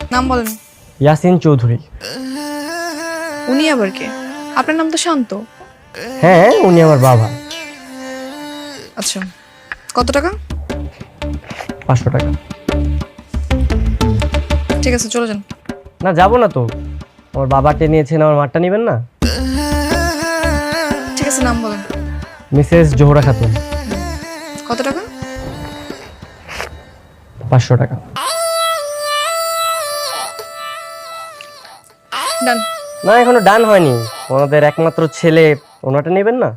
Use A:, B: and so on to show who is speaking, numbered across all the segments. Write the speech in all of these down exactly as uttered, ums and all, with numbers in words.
A: নাম বলেন।
B: ইয়াসিন চৌধুরী।
A: উনি আবার কে? আপনার নাম তো শান্ত।
B: হ্যাঁ, উনি আমার বাবা।
A: আচ্ছা, কত টাকা?
B: পাঁচশো টাকা।
A: ঠিক আছে, চলে যান।
B: না, যাবো না তো। আমার বাবাকে নিয়েছেন, আমার মারটা নেবেন না?
A: ঠিক আছে, নাম বলেন।
B: মিসেস জোহরা খাতুন।
A: কত টাকা?
B: পাঁচশো টাকা।
A: ডান।
B: না, এখনো ডান হয়নি। ওনাদের একমাত্র ছেলে, ওনাটা নেবেন না?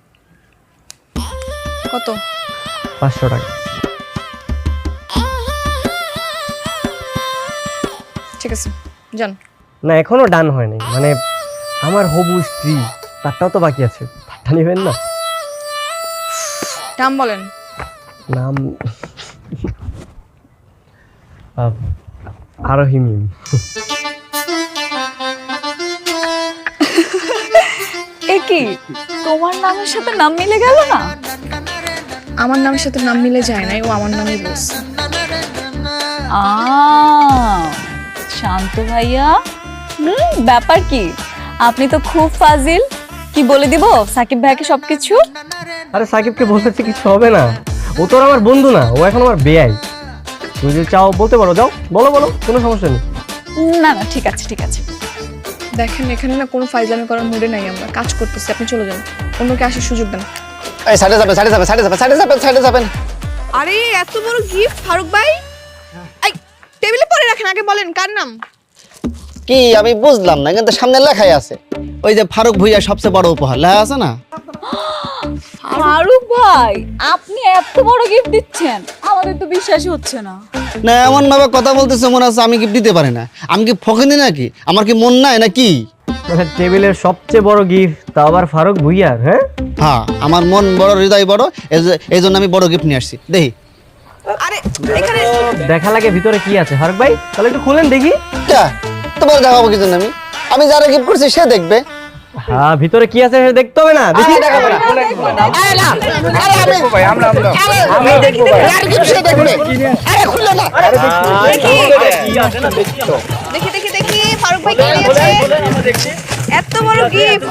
A: কত?
B: পাঁচশো টাকা।
A: ঠিক আছে, যান।
B: না, এখনো ডান হয়নি। মানে আমার হবু স্ত্রী, তারটাও তো বাকি আছে, তারটা নেবেন না?
A: নাম বলেন।
B: নাম আরোহী মিম।
C: এ কি, তোমার নামের সাথে নাম মিলে গেল না?
A: আমার নামের সাথে নাম মিলে যায় নাই, ও আমার নামই বলছে।
C: আ শান্ত ভাইয়া, হুম, ব্যাপার কি? আপনি তো খুব ফাজিল। কি বলে দিব সাকিব ভাইকে সবকিছু?
B: আরে সাকিবকে বলতেছে কিছু হবে না, ও তো আর আমার বন্ধু না, ও এখন আমার বেয়াই। তুমি যদি চাও বলতে পারো, যাও বলো বলো, কোনো সমস্যা নেই।
C: না না, ঠিক আছে ঠিক আছে।
A: দেখেন, এখানে না কোনো ফাইজলামি করার মুডে নাই, আমরা কাজ করতেছি। আপনি চলে যান, অন্যকে আসার সুযোগ দেন।
D: এই সাইডে যাবেন, সাইডে যাবেন, সাইডে যাবেন, সাইডে যাবেন, সাইডে যাবেন।
A: আরে এত বড় গিফট ফারুক ভাই, এই টেবিলে পরে রাখেন, আগে বলেন কার নাম?
D: কি আমি বুঝলাম না, কিন্তু সামনে লেখাই আছে, ওই যে ফারুক ভুইয়া সবচেয়ে বড় উপহার লেখা আছে না?
C: ফারুক ভাই, আপনি এত বড় গিফট দিচ্ছেন, আমাদের তো বিশ্বাসই হচ্ছে না।
D: না, এমন ভাবে কথা বলতেছে মনে হচ্ছে আমি গিফট দিতে পারি না। আমি কি ফকিনি নাকি? আমার কি মন নাই নাকি?
B: মানে টেবিলের সবচেয়ে বড় গিফট, তা আবার ফারুক ভুইয়ার? হ্যাঁ
D: হ্যাঁ, আমার মন বড়, হৃদয় বড়, এই জন্য আমি বড় গিফট নিয়ে আসছি। দেখি।
A: আরে এখানে
B: দেখা লাগে ভিতরে কি আছে। ফারুক ভাই, তাহলে একটু খুলেন দেখি।
D: তোমার দেখাবো কি জন্য? আমি আমি যারা গিফট করছি সে দেখবে।
B: হ্যাঁ, ভিতরে কি আছে সেটা দেখতে হবে না? দেখি।
D: আমি দেখাবো না। আরে না, আরে আমি ভাই, আমরা আমরা আমি দেখব ভাই। আর গিফট সে দেখবে। আরে খুললে না। আরে
A: দেখি দেখি দেখি দেখি ফারুক ভাই কি দিয়েছে? এত বড় গিফট।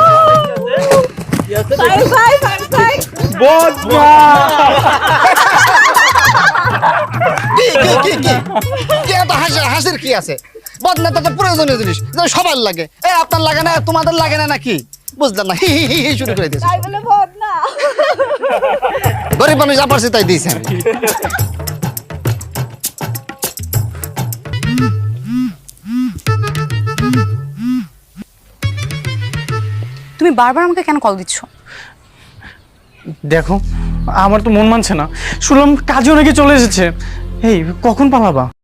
C: ফারুক ভাই, ফারুক ভাই,
D: কি কি কি কি কি এত হাসির হাসির কি আছে? বদনা তো প্রয়োজনীয় জিনিস, যেটা সবার লাগে। এ আপনার লাগে না, তোমাদের লাগে না নাকি? বুঝলাম না। হি হি হি হি শুরু করে দিয়েছে।
C: তাই বলে ভদ না।
D: গরিব মানুষ যা পারছি তাই দিয়েছে।
E: তুমি বারবার আমাকে কেন কল দিচ্ছ?
F: দেখো, আমার তো মন মানছে না। শুনলাম কাজও নাকি চলে এসেছে। এই কখন পালাবা?